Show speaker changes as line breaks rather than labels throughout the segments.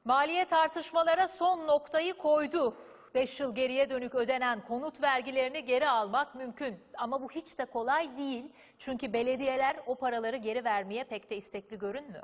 Maliye tartışmalara son noktayı koydu. 5 yıl geriye dönük ödenen konut vergilerini geri almak mümkün. Ama bu hiç de kolay değil. Çünkü belediyeler o paraları geri vermeye pek de istekli görünmüyor.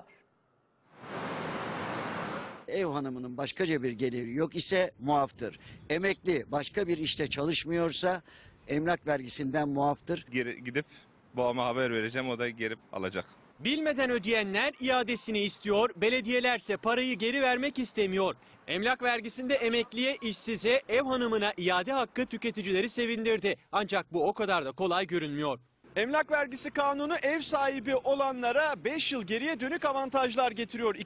Ev hanımının başkaca bir geliri yok ise muaftır. Emekli başka bir işte çalışmıyorsa emlak vergisinden muaftır.
Geri gidip babama haber vereceğim, o da gelip alacak.
Bilmeden ödeyenler iadesini istiyor, belediyelerse parayı geri vermek istemiyor. Emlak vergisinde emekliye, işsize, ev hanımına iade hakkı tüketicileri sevindirdi. Ancak bu o kadar da kolay görünmüyor. Emlak vergisi kanunu ev sahibi olanlara 5 yıl geriye dönük avantajlar getiriyor.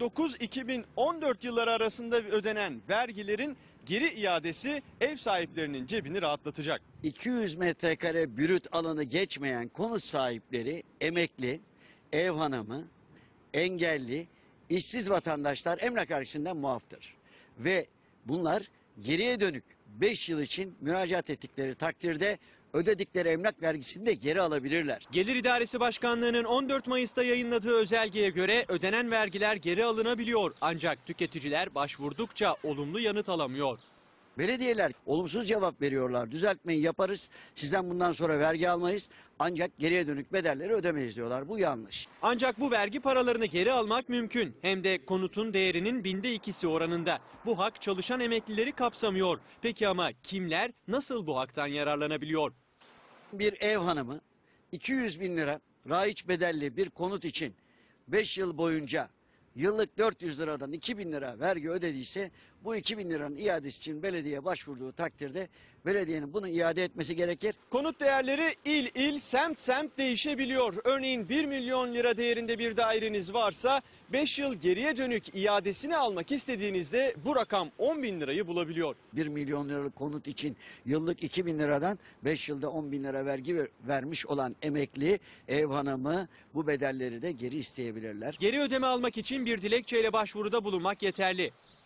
2009-2014 yılları arasında ödenen vergilerin geri iadesi ev sahiplerinin cebini rahatlatacak.
200 metrekare brüt alanı geçmeyen konut sahipleri, emekli, ev hanımı, engelli, işsiz vatandaşlar emlak vergisinden muaftır. Ve bunlar geriye dönük 5 yıl için müracaat ettikleri takdirde ödedikleri emlak vergisini de geri alabilirler.
Gelir İdaresi Başkanlığı'nın 14 Mayıs'ta yayınladığı özelgeye göre ödenen vergiler geri alınabiliyor. Ancak tüketiciler başvurdukça olumlu yanıt alamıyor.
Belediyeler olumsuz cevap veriyorlar. Düzeltmeyi yaparız, sizden bundan sonra vergi almayız ancak geriye dönük bedelleri ödemeyiz diyorlar. Bu yanlış.
Ancak bu vergi paralarını geri almak mümkün. Hem de konutun değerinin 2/1000'si oranında. Bu hak çalışan emeklileri kapsamıyor. Peki ama kimler nasıl bu haktan yararlanabiliyor?
Bir ev hanımı 200 bin lira raiç bedelli bir konut için 5 yıl boyunca yıllık 400 liradan 2.000 lira vergi ödediyse bu 2.000 liranın iadesi için belediye başvurduğu takdirde belediyenin bunu iade etmesi gerekir.
Konut değerleri il il, semt semt değişebiliyor. Örneğin 1 milyon lira değerinde bir daireniz varsa 5 yıl geriye dönük iadesini almak istediğinizde bu rakam 10.000 lirayı bulabiliyor.
1 milyon liralık konut için yıllık 2.000 liradan 5 yılda 10.000 lira vergi vermiş olan emekli, ev hanımı bu bedelleri de geri isteyebilirler.
Geri ödeme almak için bir dilekçeyle başvuruda bulunmak yeterli.